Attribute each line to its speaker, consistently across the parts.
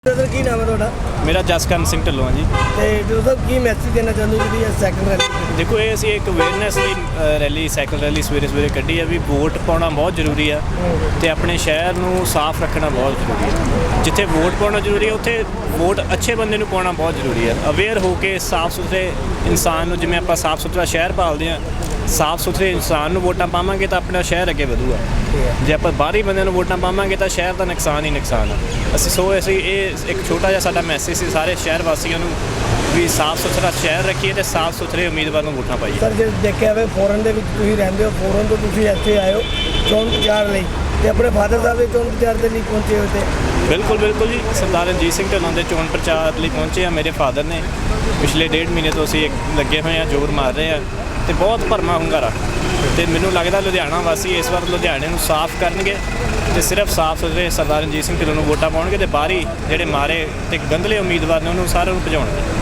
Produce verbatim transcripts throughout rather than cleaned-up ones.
Speaker 1: Sir ਕੀ ਨਾਮ ਹੈ ਤੁਹਾਡਾ?
Speaker 2: ਮੇਰਾ ਜਸਕਰਨ ਸਿੰਘ ਢਿੱਲੋਂ ਹੈ ਜੀ।
Speaker 1: ਤੇ ਜੋ ਸਭ ਕੀ ਮੈਸੇਜ ਦੇਣਾ ਚਾਹੁੰਦੇ ਹੋ ਜਿਹੜੀ ਇਹ ਸਾਈਕਲ ਰੈਲੀ?
Speaker 2: ਦੇਖੋ ਇਹ ਅਸੀਂ ਇੱਕ ਅਵੇਅਰਨੈਸ ਲਈ ਅ, ਰੈਲੀ ਸਾਈਕਲ ਰੈਲੀ ਸਵੇਰੇ ਸਵੇਰੇ ਕੱਢੀ ਆ ਵੀ ਵੋਟ ਪਾਉਣਾ ਬਹੁਤ ਜ਼ਰੂਰੀ ਆ ਤੇ ਆਪਣੇ ਸ਼ਹਿਰ ਨੂੰ ਸਾਫ਼ ਰੱਖਣਾ ਬਹੁਤ ਜ਼ਰੂਰੀ ਹੈ। ਜਿੱਥੇ ਵੋਟ ਪਾਉਣਾ ਜ਼ਰੂਰੀ ਹੈ ਉੱਥੇ ਵੋਟ ਅੱਛੇ ਬੰਦੇ ਨੂੰ ਪਾਉਣਾ ਬਹੁਤ ਜ਼ਰੂਰੀ ਹੈ। ਅਵੇਅਰ ਹੋ ਕੇ ਸਾਫ਼ ਸੁਥਰੇ ਇਨਸਾਨ ਨੂੰ, ਜਿਵੇਂ ਆਪਾਂ ਸਾਫ਼ ਸੁਥਰਾ ਸ਼ਹਿਰ ਪਾਲਦੇ ਹਾਂ, ਸਾਫ਼ ਸੁਥਰੇ ਇਨਸਾਨ ਨੂੰ ਵੋਟਾਂ ਪਾਵਾਂਗੇ ਤਾਂ ਆਪਣਾ ਸ਼ਹਿਰ ਅੱਗੇ ਵਧੂਗਾ। ਜੇ ਆਪਾਂ ਬਾਹਰੀ ਬੰਦਿਆਂ ਨੂੰ ਵੋਟਾਂ ਪਾਵਾਂਗੇ ਤਾਂ ਸ਼ਹਿਰ ਦਾ ਨੁਕਸਾਨ ਹੀ ਨੁਕਸਾਨ ਆ। ਅਸੀਂ ਸੋ ਅਸੀਂ ਇਹ ਇੱਕ ਛੋਟਾ ਜਿਹਾ ਸਾਡਾ ਮੈਸੇਜ ਸੀ ਸਾਰੇ ਸ਼ਹਿਰ ਵਾਸੀਆਂ ਨੂੰ ਵੀ ਸਾਫ਼ ਸੁਥਰਾ ਸ਼ਹਿਰ ਰੱਖੀਏ ਤੇ ਸਾਫ਼ ਸੁਥਰੇ ਉਮੀਦਵਾਰ ਨੂੰ ਵੋਟਾਂ ਪਾਈਏ।
Speaker 1: ਸਰ ਜੇ ਦੇਖਿਆ ਜਾਵੇ ਫੋਰਨ ਦੇ ਵਿੱਚ ਤੁਸੀਂ ਰਹਿੰਦੇ ਹੋ, ਫੋਰਨ ਤੋਂ ਤੁਸੀਂ ਇੱਥੇ ਆਏ ਹੋ ਚੋਣ ਪ੍ਰਚਾਰ ਲਈ ਤੇ ਆਪਣੇ ਫਾਦਰ ਸਾਹਿਬ ਦੇ ਚੋਣ ਪ੍ਰਚਾਰ ਦੇ ਲਈ ਪਹੁੰਚੇ ਹੋ ਤੇ
Speaker 2: ਬਿਲਕੁਲ ਬਿਲਕੁਲ ਜੀ, ਸਰਦਾਰ ਰਣਜੀਤ ਸਿੰਘ ਢਿੱਲੋਂ ਦੇ ਚੋਣ ਪ੍ਰਚਾਰ ਲਈ ਪਹੁੰਚੇ ਆ। ਮੇਰੇ ਫਾਦਰ ਨੇ ਪਿਛਲੇ ਡੇਢ ਮਹੀਨੇ ਤੋਂ ਅਸੀਂ ਇੱਕ ਲੱਗੇ ਹੋਏ ਆ, ਜ਼ੋਰ ਮਾਰ ਰਹੇ ਆ ਤੇ ਬਹੁਤ ਭਰਮਾ ਹੁੰਗਾਰਾ। ਤੇ ਮੈਨੂੰ ਲੱਗਦਾ ਲੁਧਿਆਣਾ ਵਾਸੀ ਇਸ ਵਾਰ ਲੁਧਿਆਣੇ ਨੂੰ ਸਾਫ਼ ਕਰਨਗੇ ਤੇ ਸਿਰਫ ਸਾਫ਼ ਸੁਥਰੇ ਸਰਦਾਰ ਰਣਜੀਤ ਸਿੰਘ ਢਿੱਲੋਂ ਨੂੰ ਵੋਟਾਂ ਪਾਉਣਗੇ ਤੇ ਬਾਹਰੀ ਜਿਹੜੇ ਮਾਰੇ ਤੇ ਗੰਦਲੇ ਉਮੀਦਵਾਰ ਨੇ ਉਹਨੂੰ ਸਾਰਿਆਂ ਨੂੰ ਭਜਾਉਣਗੇ।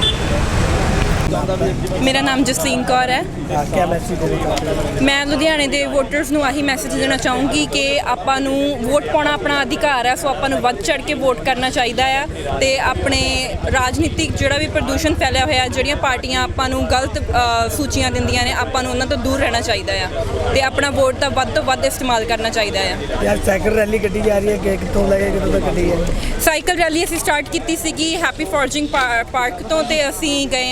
Speaker 3: ਮੇਰਾ ਨਾਮ ਜਸਲੀਨ ਕੌਰ ਹੈ।
Speaker 1: ਕੀ ਮੈਸੇਜ ਦੇਣਾ ਚਾਹੁੰਦੇ ਹੋ?
Speaker 3: ਮੈਂ ਲੁਧਿਆਣੇ ਦੇ ਵੋਟਰਸ ਨੂੰ ਆਹੀ ਮੈਸੇਜ ਦੇਣਾ ਚਾਹੂੰਗੀ ਕਿ ਆਪਾਂ ਨੂੰ ਵੋਟ ਪਾਉਣਾ ਆਪਣਾ ਅਧਿਕਾਰ ਹੈ, ਸੋ ਆਪਾਂ ਨੂੰ ਵੱਧ ਚੜ੍ਹ ਕੇ ਵੋਟ ਕਰਨਾ ਚਾਹੀਦਾ ਆ ਤੇ ਆਪਣੇ ਰਾਜਨੀਤਿਕ ਜਿਹੜਾ ਵੀ ਪ੍ਰਦੂਸ਼ਣ ਫੈਲਿਆ ਹੋਇਆ, ਜਿਹੜੀਆਂ ਪਾਰਟੀਆਂ ਆਪਾਂ ਨੂੰ ਗਲਤ ਅ, ਸੂਚੀਆਂ ਦਿੰਦੀਆਂ ਨੇ, ਆਪਾਂ ਨੂੰ ਉਹਨਾਂ ਤੋਂ ਦੂਰ ਰਹਿਣਾ ਚਾਹੀਦਾ ਆ ਤੇ ਆਪਣਾ ਵੋਟ ਦਾ ਵੱਧ ਤੋਂ ਵੱਧ ਇਸਤੇਮਾਲ ਕਰਨਾ ਚਾਹੀਦਾ ਆ।
Speaker 1: ਯਾਰ ਸਾਈਕਲ ਰੈਲੀ ਕੱਢੀ ਜਾ ਰਹੀ ਹੈ ਕਿ ਕਿੱਥੋਂ ਲੈ ਕੇ ਕਿੱਥੋਂ ਤੱਕ ਕੱਢੀ ਹੈ?
Speaker 3: ਸਾਈਕਲ ਰੈਲੀ ਅਸੀਂ ਸਟਾਰਟ ਕੀਤੀ ਸੀਗੀ ਹੈਪੀ ਫੋਰਜਿੰਗ ਪਾਰਕ ਤੋਂ ਤੇ ਅਸੀਂ ਗਏ